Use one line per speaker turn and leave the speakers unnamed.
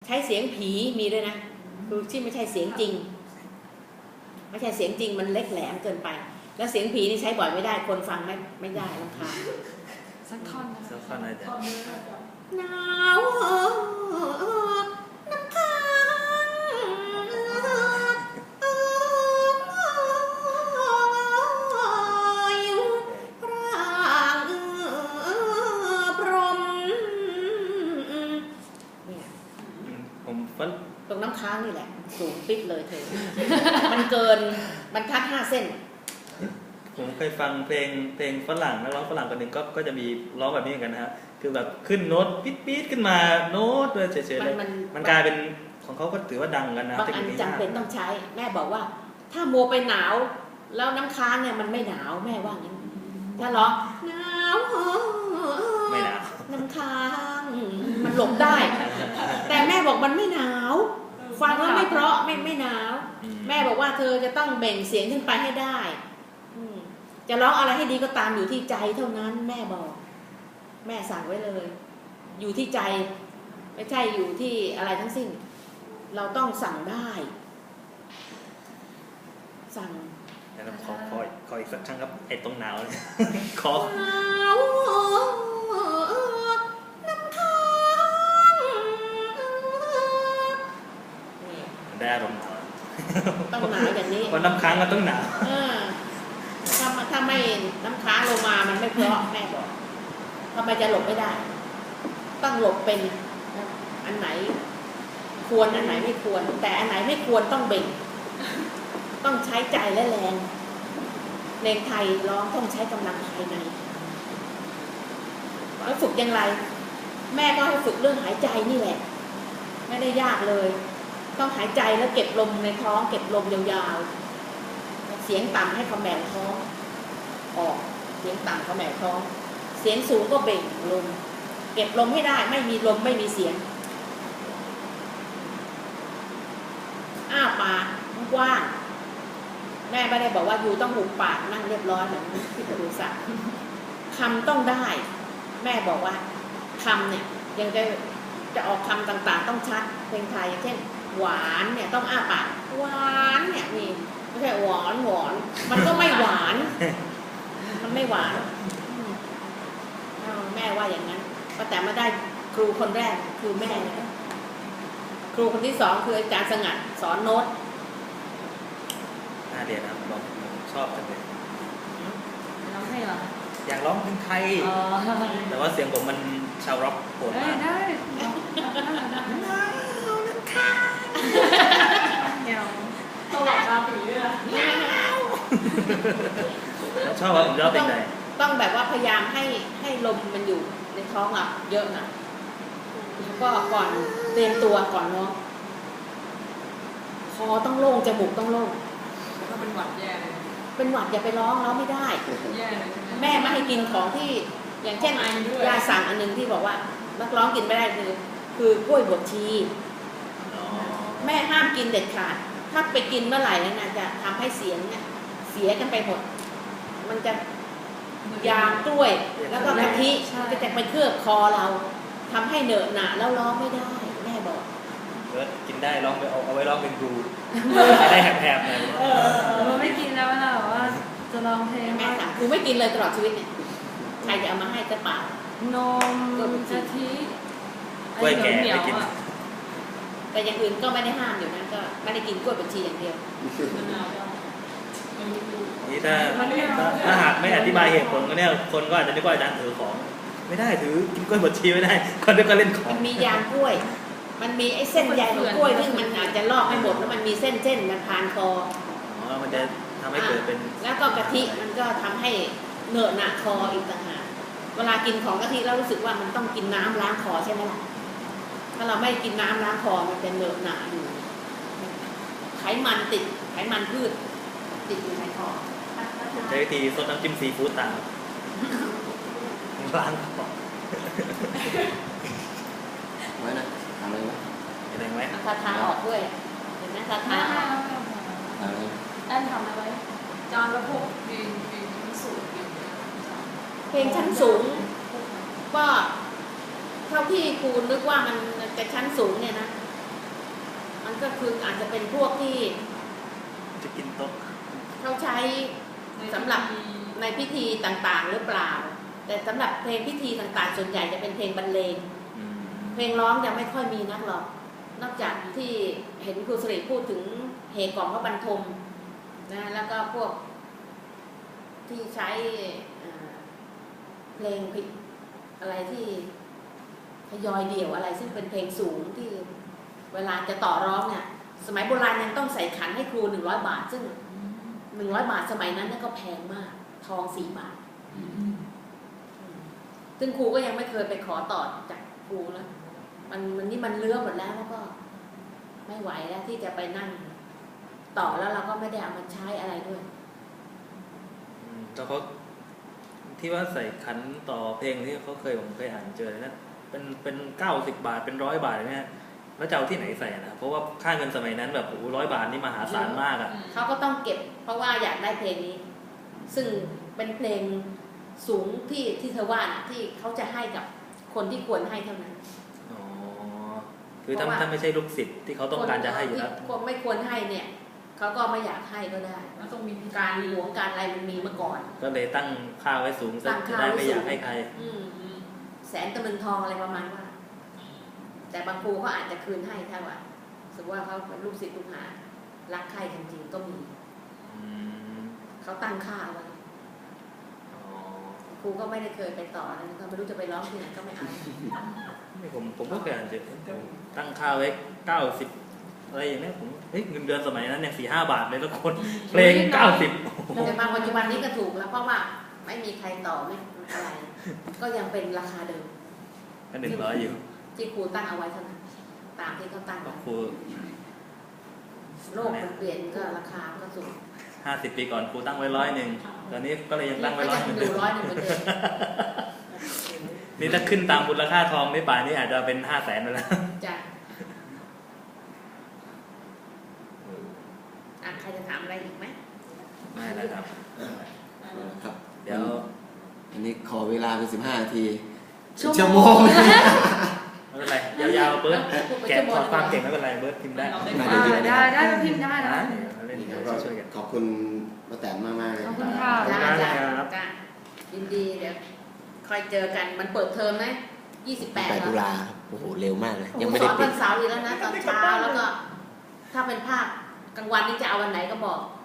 ช้เสียงผีมีด้วยนะคือที่ไม่ใช่เสียงจริงไม่ใช่เสียงจริงมันเล็กแหลมเกินไปแล้วเสียงผีนี่ใช้บ่อยไม่ได้คนฟังไม่ได้รำคาญ
สักท่อนนะ
สักท่อนอะไรจ๊ะ
หนาวน้ำค้างพรมเนี่ยตรงน้ำค้างนี่แหละสูงปิ๊บเลยเธอมันเกินบรรทัด5 เส้น
ผมเคยฟังเพลงฝรั่งนักร้องฝรั่งคนหนึ่งก็จะมีร้องแบบนี้เหมือนกันนะฮะคือแบบขึ้นโน้ตปี๊ดขึ้นมาโน้ตเลยเฉยๆเลยมันกลายเป็นของเขาก็ถือว่าดังกันนะ
บางอันจำเป็นต้องใช้แม่บอกว่าถ้ามัวไปหนาวแล้วน้ำค้างเนี่ยมันไม่หนาวแม่ว่างั้นถ้าร้องหนาว
ไม่หนาว
น้ำค้างมันหลบได้แต่แม่บอกมันไม่หนาวฟังแล้วไม่เพราะไม่หนาวแม่บอกว่าเธอจะต้องเบ่งเสียงขึ้นไปให้ได้จะร้องอะไรให้ดีก็ตามอยู่ที่ใจเท่านั้นแม่บอกแม่สั่งไว้เลยอยู่ที่ใจไม่ใช่อยู่ที่อะไรทั้งสิ้นเราต้องสั่งได้สั่ง
แล้วขออีกสักครั้งครับไอ้ตรงหนาวขอ
หนาวน้ำค้าง
ได้อารมณ์
ต้องหนาวอย่างนี้
วันน้ำค้างก็ต้องหนาว
ถ้าไม่น้ำค้างลงมามันไม่เพราะแม่บอกทำไมจะหลบไม่ได้ต้องหลบเป็นอันไหนควรอันไหนไม่ควรแต่อันไหนไม่ควรต้องเบ่งต้องใช้ใจและแรงเพลงไทยร้องต้องใช้กำลังภายในแล้วฝึกอย่างไรแม่ก็ให้ฝึกเรื่องหายใจนี่แหละไม่ได้ยากเลยต้องหายใจแล้วเก็บลมในท้องเก็บลมยาวๆเสียงต่ำให้ขมแหม่ท้องออกเสียงต่ำขมแหม่ท้องเสียงสูงก็เบ่งลมเก็บลมให้ได้ไม่มีลมไม่มีเสียงอ้าปากกว้างแม่ไม่ได้บอกว่าอยู่ต้องหุบปากนั่งเรียบร้อยเหมือนที่ครูสั่งคำต้องได้แม่บอกว่าคำเนี่ยยังจะออกคำต่างๆต้องชัดเพลงไทยอย่างเช่นหวานเนี่ยต้องอ้าปากหวานเนี่ยนี่ไม่ใช่หวานมันก็ไม่หวานมันไม่หวานแม่ว่าอย่างนั้นแต่มาได้ครูคนแรกคือแม่ครูคนที่2คืออาจารย์สงัดสอนโน้ต
น่าเรียนนะผมชอบจังเลย
ร้องให้เหรอ
อยากร้องเพลงไทยแต่ว่าเสียงผมมันชาวร็อกโหดมาก
ได้ต้องหลับตาปีด้วย
ชอบว่าผมชอบเพลงไหน
ต้องแบบว่าพยายามให้ลมมันอยู่ในท้องอ่ะเยอะนะแล้วก็ก่อนเตรียมตัวก่อนร้องคอต้องโล่งจมูกต้องโล่ง
ถ้าเป็นหวัดแย่เลย
เป็นหวัดอย่าไปร้องไม่ได้
แย่เลย
แม่ไม่ให้กินของที่อย่างเช่นยาสั่งอันนึงที่บอกว่านักร้องกินไม่ได้คือกล้วยบวชชีแม่ห้ามกินเด็ดขาดถ้าไปกินเมื่อไหร่นะจะทำให้เสียงเนี่ยเสียกันไปหมดมันจะยางกล้วยแล้วก็กะทิจะไปเคลือบคอเราทำให้เหนอะหนะแล้วร้องไม่ได้แม่บอก
กินได้ร้องไปเอาไว้ร้องเป็นครูได้แหบๆหน่อย
มันไม่กินแล้วนะแบบว่าจะร้องเพลง
แม่ถามครูไม่กินเลยตลอดชีวิตเนี่ยใครจะเอามาให้จะเปล่าน
มกะทิ
กล้วยแก่ไม่กิน
แต่อย่างอื่นก็ไม่ได้ห้ามอยู่นะก็ไม่ได้กินกล้วยบวชชีอย่างเดียว
นี่ถ้าหากไม่อธิบายเหตุผลก็เนี่ยคนก็อาจจะนึกว่าอาจารย์ถือของไม่ได้ถือกินกล้วยบดชีไม่ได้คนก็เล่นของ
มันมียางกล้วยมันมีไอ้เส้นใยของกล้วยที่มันอาจจะลอกไม่หมดแล้วมันมีเส้นมันผ่านคอ
มันจะทำให้เกิดเป็น
แล้วก็กะทิมันก็ทำให้เหนอะหนะคออีกต่างหากเวลากินของกะทิเรารู้สึกว่ามันต้องกินน้ำล้างคอใช่ไหมล่ะถ้าเราไม่กินน้ำล้างคอมันจะเหนอะหนะอยู่ไขมันติดไขมันพืชติดอยู่ในคอ
ใช้วิธีซดน้ำจิ้มซีฟู้ดตามล้างคอ
ไว้นะทำอะไรไหม
อะไรไหม
คาถาออกด้วยเห็นไหมคาถา
ได้ทำอะไรจานละพวกเพลงสูง
เพลงชั้นสูงก็เท่าที่ครูนึกว่ามันจะชั้นสูงเนี่ยนะก็คืออาจจะเป็นพวกที่
จะกินโต๊ะ
เขาใช้สำหรับในพิธีต่างๆหรือเปล่า แต่สำหรับเพลงพิธีต่างๆส่วนใหญ่จะเป็นเพลงบรรเลง
อืม
เพลงร้องยังไม่ค่อยมีนักหรอกนอกจากที่เห็นครูสิริพูดถึงเหกล่อมพระบรรทมนะแล้วก็พวกที่ใช้เพลงผิดอะไรที่ทยอยเดี่ยวอะไรซึ่งเป็นเพลงสูงที่เวลาจะต่อร้องเนี่ยสมัยโบราณยังต้องใส่ขันให้ครู100 บาทซึ่ง100 บาทสมัยนั้นก็แพงมากทอง4 บาทซึ่งครูก็ยังไม่เคยไปขอต่อจากครูแล้วมันนี่มันเลื้อหมดแล้วก็ไม่ไหวแล้วที่จะไปนั่งต่อแล้วเราก็ไม่ได้เอามาใช้อะไรด้วย
แล้วเขาที่ว่าใส่ขันต่อเพลงที่เขาผมเคยอ่านเจอนะเป็น90 บาทเป็น100 บาทเนี่ยแล้วจะเอาที่ไหนใส่นะเพราะว่าค่าเงินสมัยนั้นแบบ100 บาทนี่มหาศาลมากอ่ะ
เขาก็ต้องเก็บเพราะว่าอยากได้เพลงนี้ ซึ่งเป็นเพลงสูงที่เธอว่านะที่เขาจะให้กับคนที่ควรให้เท่านั้น
อ๋อคือถ้าไม่ใช่ลูกศิษย์ที่เขาต้องการจะให้อยู่แล้ว
คนไม่ควรให้เนี่ยเขาก็ไม่อยากให้ก็ได้
แล้วต้องมี
การหวงการอะไรมันมีมาก่อน
ก็เลยตั้งค่าไว้สูงซะจะได้ไม่อยากให้ใคร
แสนตะลึงทองอะไรประมาณว่า แต่บางครูเขาอาจจะคืนให้ถ้าว่าสมมติว่าเขาเป็นลูกศิษย์ลูกหารักใครจริงๆก็มี
อืม
เขาตั้งค่าเอาไว้
อ๋อ
ครูก็ไม่ได้เคยไปต่อแล้วก็ไม่รู้จะไปร้องที่ไหนก็ไม่เอา
นี่ผมก็เคยอ่านเจอตั้งค่าไว้90อะไรอย่างเนี้ยผมเงินเดือนสมัยนั้นเนี่ย4-5 บาทเลยแล้วคนเพลง90
แต่มาปัจจุบันนี้ก็ถูกแล้วเพราะว่าไม่มีใครต่อไม่อะไร ก็ยังเป็นราคาเดิม
ก็100อยู่
ที่ครูตั้งเอาไว้เท่านั้นตามที่เขาตั้ง
บอก
ไว้
ครู
โลกมันเปลี่ยนก็ราคาก็สูง
50 ปีก่อนครูตั้งไว้100ตอนนี้ก็เลยยังตั้งไว้
ก็ยัง
100
อยู่100เหมือนเดิม
นี่ถ้าขึ้นตามมูลค่าทองในป่านนี้อาจจะเป็น500,000ไปแล้ว
จ้ะใครจะถามอะไรอีกไหม
ไม่แล้วครับ
ครับ
เดี๋ยว
อันนี้ขอเวลาเป็น15 นาที
ชั่วโมง
ไม่เป็นไรยาวๆเบิร์ดแกะถอดความเก่งไม่เป็นไรเบิร์ดพิมพ์ได้
ได้มาพิมพ์ได้นะ
เล่นเดี๋ยวเราช่วยกัน
ขอบคุณป้าแตนมากๆเลย
ขอบคุณค่ะ
ขอบคุณมากครับ
จ้ะยินดีเดี๋ยวคอยเจอกันมันเปิดเทอมไหม28
ตุลาครับโอ้โหเร็วมากเลย
ยั
ยัง ง
ไม่
ไม่
ได้
ได้
ปิ
ปิ
ด
ด
เสาร์อีกแล้วนะตอนเช้าแล้วก็ ถ้าเป็นภาคกลางวันนี่จะเอาวันไหนก็บอก